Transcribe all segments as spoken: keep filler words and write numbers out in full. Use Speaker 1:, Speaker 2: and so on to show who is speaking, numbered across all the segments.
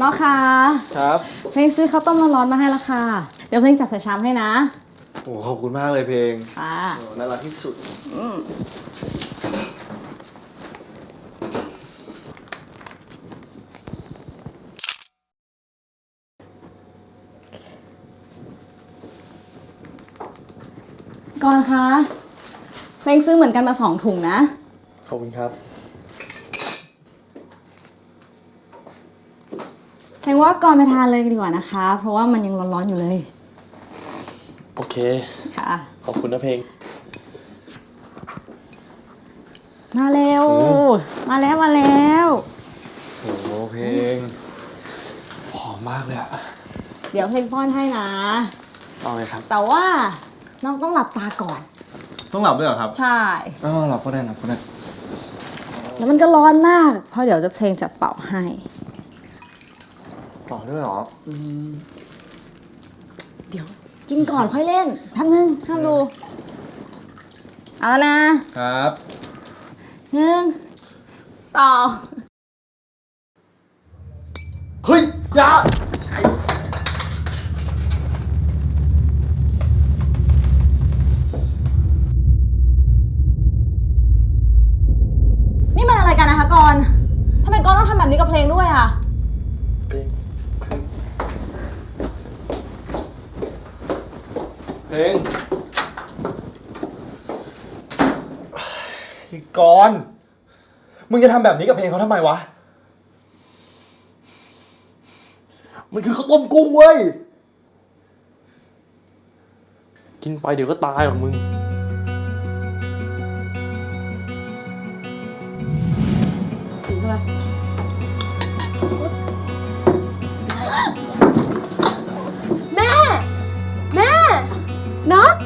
Speaker 1: น้องคะ
Speaker 2: ครับ
Speaker 1: เพลงซื้อข้าวต้มร้อนๆมาให้ละค่ะเดี๋ยวเพลงจัดใส่ชามให้นะ
Speaker 2: โอ้ขอบคุณมากเลยเพลง
Speaker 1: ค่ะ
Speaker 2: น่ารักที่สุด
Speaker 1: ก่อนคะเพลงซื้อเหมือนกันมาสองถุงนะ
Speaker 2: ขอบคุณครับ
Speaker 1: เพลงว่าก่อนไปทานเลยดีกว่านะคะเพราะว่ามันยังร้อนๆอยู่เลย
Speaker 2: โอเค
Speaker 1: ค่ะ
Speaker 2: ขอบคุณนะเพลง
Speaker 1: มาเร็วมาแล้วมาแล้ว
Speaker 2: โอ้โหเพลงหอมมากเลยอะ
Speaker 1: เดี๋ยวเพลงป้อนให้นะ
Speaker 2: เอาเลยครับ
Speaker 1: แต่ว่าน้องต้องหลับตาก่อน
Speaker 2: ต้องหลับด้วยเหรอครับ
Speaker 1: ใช่
Speaker 2: อ๋อหลับก็ได้หลับก็ได้
Speaker 1: แล้วมันก็ร้อนมากเพราะเดี๋ยวจะเพลงจะเป่าให้
Speaker 2: ต่อด้วยเหรออืม
Speaker 1: เดี๋ยวกินก่อนค่อยเล่นแป๊บนึงห้ามดูเอาแล้วนะครับหนึ่งสอง
Speaker 2: เฮ้ยอย่า
Speaker 1: นี่มันอะไรกันนะคะกรณ์ทำไมกรณ์ต้องทำแบบนี้กับเพลงด้วยอ่ะ
Speaker 2: เพลงพี่กรณ์มึงจะทำแบบนี้กับเพลงเขาทำไมวะมันคือข้าวต้มกุ้งเว้ยกินไปเดี๋ยวก็ตายหรอกมึง
Speaker 1: ถือเข้าไปแม่แม่น็อก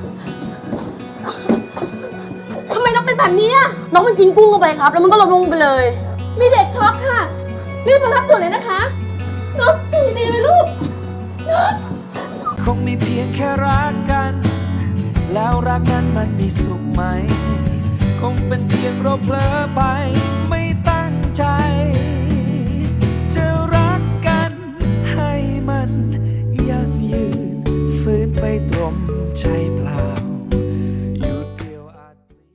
Speaker 1: ทำไมน็อกเป็นแบบนี้อ่ะน้องมันกินกุ้งเข้าไปครับแล้วมันก็ล้มลงไปเลยมีเด็กช็อกค่ะรีบมารับด่วนเลยนะคะน็อกตื่นดีไหมลูกน็อก
Speaker 3: คงมีเพียงแค่รักกันแล้วรักนั้นมันมีสุขไหมคงเป็นเพียงเราเผลอไป